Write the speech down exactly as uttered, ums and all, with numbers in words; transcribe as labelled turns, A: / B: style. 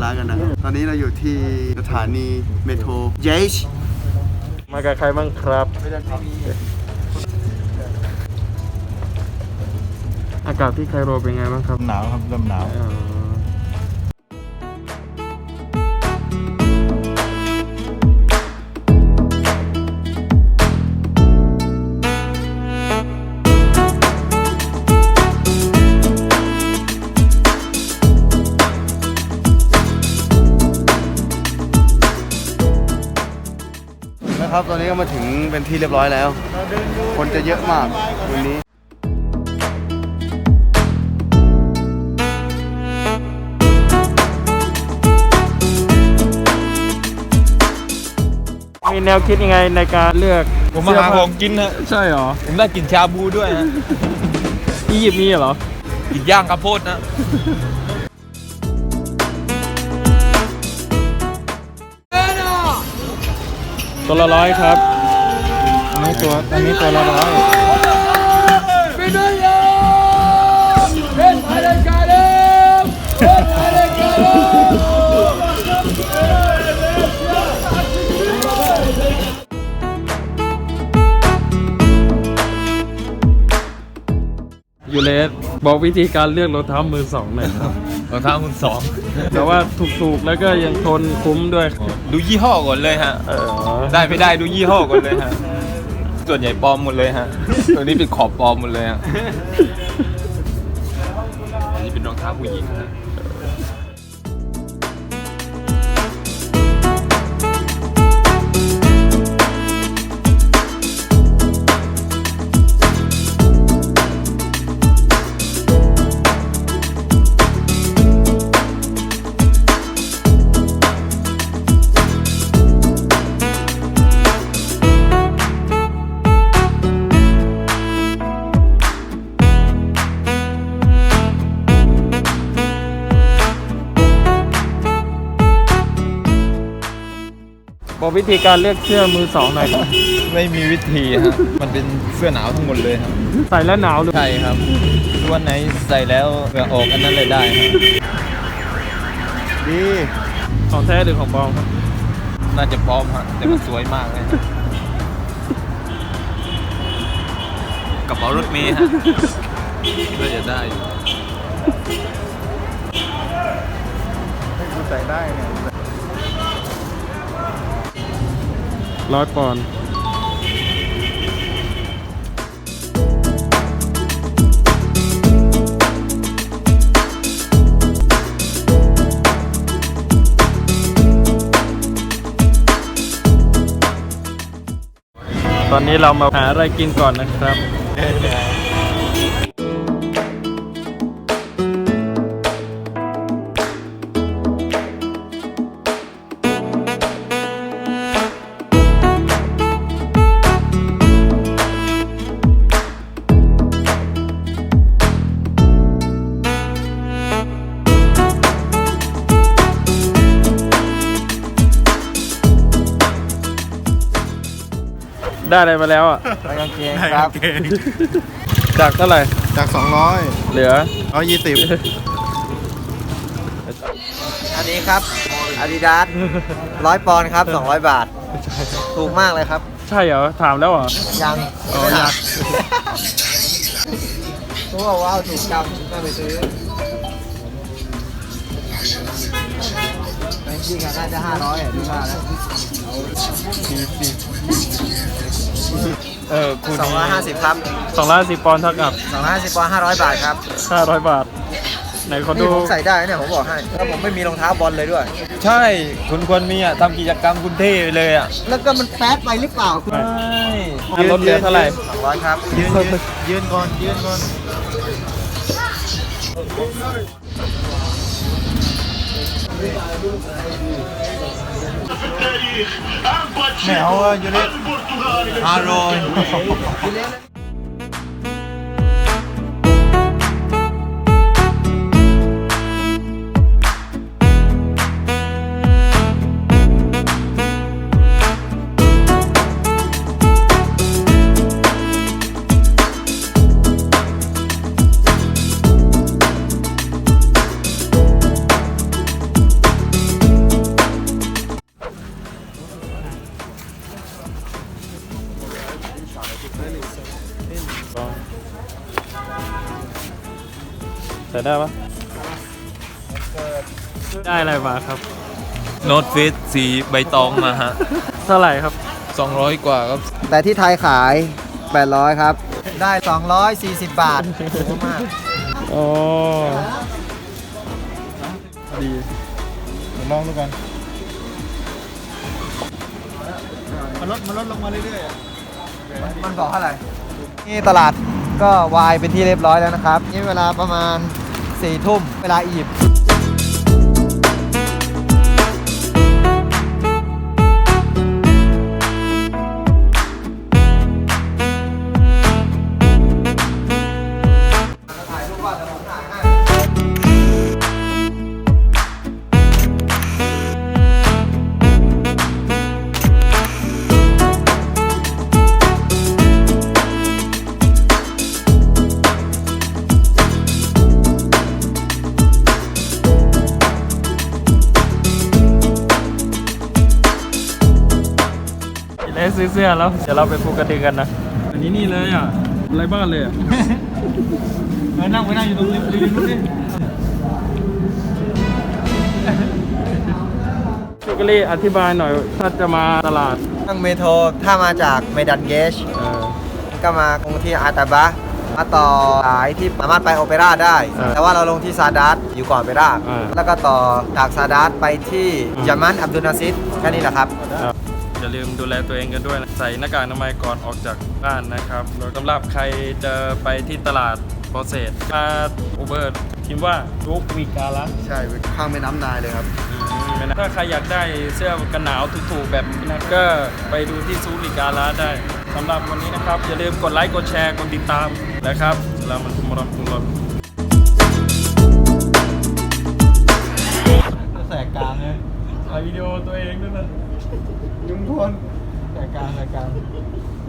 A: ระกันนะครับตอนนี้เราอยู่ที่สถานีเมโทรเยช
B: มากับใครบ้างครับอากาศที่ไคโรเป็นไงบ้างครับ
C: หนาวครับเริ่มหนาว
A: นะครับตอนนี้ก็มาถึงเป็นที่เรียบร้อยแล้วคนจะเยอะมากวันนี้
B: มีแนวคิดยังไงในการเลือก
C: ผมมาหาของกินนะ
B: ใช่เหรอ
C: ผมได้กินชาบูด้วยนะ
B: อียิปต์มีเหรอ
C: กินย่างข้าวโพดนะ
B: ตัวละร้อยครับอันนี้ตัวอันนี้ตัวละร้อยยูเลสบอกวิธีการเลือกรองเท้ามือสองหน่อยครับ
C: รองเท้ามือสอง
B: แต่ว่าถูกๆแล้วก็ยังทนคุ้มด้วย
C: ดูยี่ห้อก่อนเลยฮะ
B: เออ
C: ได้ไม่ได้ดูยี่ห้อก่อนเลยฮะส่วนใหญ่ปลอมหมดเลยฮะตัวนี้เป็นขอบปลอมหมดเลยฮะอันนี้เป็นรองเท้าผู้หญิงฮะ
B: บอกวิธีการเลือกเสื้อมือสองหน่อยครับ
C: ไม่มีวิธีฮะมันเป็นเสื้อหนาวทั้งหมดเลยครับ
B: ใส่แล้วหนาวหรือ
C: ใช่ครับวันไหนใส่แล้วเหงื่อออกอันนั้นเลยได้ครับ
A: ดี
B: ของแท้หรือของปลอมครับ
C: น่าจะปลอมฮะแต่มันสวยมากเลยฮะกระเป๋ารถเมล์ฮะน่าจะได้อยู่
A: ใส่ได้เนี่ย
B: ร้อยปอนด์ตอนนี้เรามาหาอะไรกินก่อนนะครับ ได้อะไรมาแล้วอ่ะ
A: ไปกางเกงครับ
B: จากเท่าไหร่
A: จากสองร้อย
B: เหลือ
A: ร้อยยี่สิบอันนี้ครับ Adidas ร้อยปอนด์ครับสองร้อยบาท ถูกมากเลยครับ
B: ใช่เหรอ ถามแล้วเหรอ
A: ยัง
B: อ๋อยัง
A: เขาบอกว่าถูกจังก็ไปซื้อจริงๆน่าจะห้าร้อยอ่ะดูว่าแล้ว
C: เออคุณ
A: สองร้อยห้าสิบครับ
B: สองร้อยสิบปอนด์เท่ากับ
A: สองร้อยห้าสิบปอนด์ห้าร้อยบาทครับ
B: ห้าร้อยบาท ไหนขอดู
A: นี่ผมใส่ได้เนี่ยผมบอกให้แล้วผมไม่มีรองเท้าบอลเลยด้วย
C: ใช่คุณควรมีอ่ะทำกิจกรรมคุณเท่ไปเลยอ่ะ
A: แล้วก็มันแป๊ดไปหรือเปล่าคุณ
B: ไม่
C: ใช่
B: ลดเหลือเท่าไหร่
A: สองร้อยครับยืนยืนยืนก่อนยืนก่อน
C: ไม่เอาอ่ะยูนิตอร่อย
B: ได้ปะได้อะไรมาครับ
C: โน้ตฟิตสีใบตองมาฮะ
B: เท่าไหร่ครับ
C: สองร้อยกว่าครับ
A: แต่ที่ไทยขายแปดร้อยครับ ได้สองร้อยสี่สิบบาทถูกมาก
B: อ๋อ ดีเดี๋ยวลองดูกัน
A: มันลดมันลดลงมาเรื่อยๆมันบอกเท่าไหร่นี่ตลาดก็วายเป็นที่เรียบร้อยแล้วนะครับ นี่เวลาประมาณสี่ทุ่มเวลาอียิปต์ถ่ายรูปว่าเดี๋ยวผมถ่ายให้
B: ได้ซื้อเสื้อแล้ว เดี๋ยวเราไปภูกระดึงกันนะ อันนี้นี่เลยอ่ะไรบ้านเลยอ่ะ ไปนั่งไปนั่งอยู่ตรงริมริมนู้นดิพี่กะลี่อธิบายหน่อย ถ้าจะมาตลาด
A: นั่งเมโทรถ้ามาจากเมดันเกช
B: เออ
A: ก็มาลงที่อาตาบะมาต่อสายที่สามารถไปโอเปร่าได้
B: อ่า
A: แต่ว่าเราลงที่ซาดัสอยู่ก่อนโอเปร่า
B: อ่า
A: แล้วก็ต่อจากซาดัสไปที่
B: อ่า
A: ยามันอับดุลนาซิดแค่นี้แหละครับ
B: อย่าลืมดูแลตัวเองกันด้วยนะใส่หน้ากากอนามัยก่อนออกจากบ้านนะครับแล้วสำหรับใครจะไปที่ตลาดโปรเซสมาอูเบอร์พิมพ์ว่าทุกวีกาละ
A: ใช่ข้างแม่น้ำนายเลยครับ
B: ถ้าใครอยากได้เสื้อกันหนาวถูกๆแบบนี้นะก็ไปดูที่ซูริกาลาได้สำหรับวันนี้นะครับ อย่าลืมกดไลค์กดแชร์กดติดตามนะครับแล้วมันทุมรำทุมรำแสกกลางเลยถ่ายวิดีโอตัวเองด้วยนะยุงพลแสกกลางแสกกลาง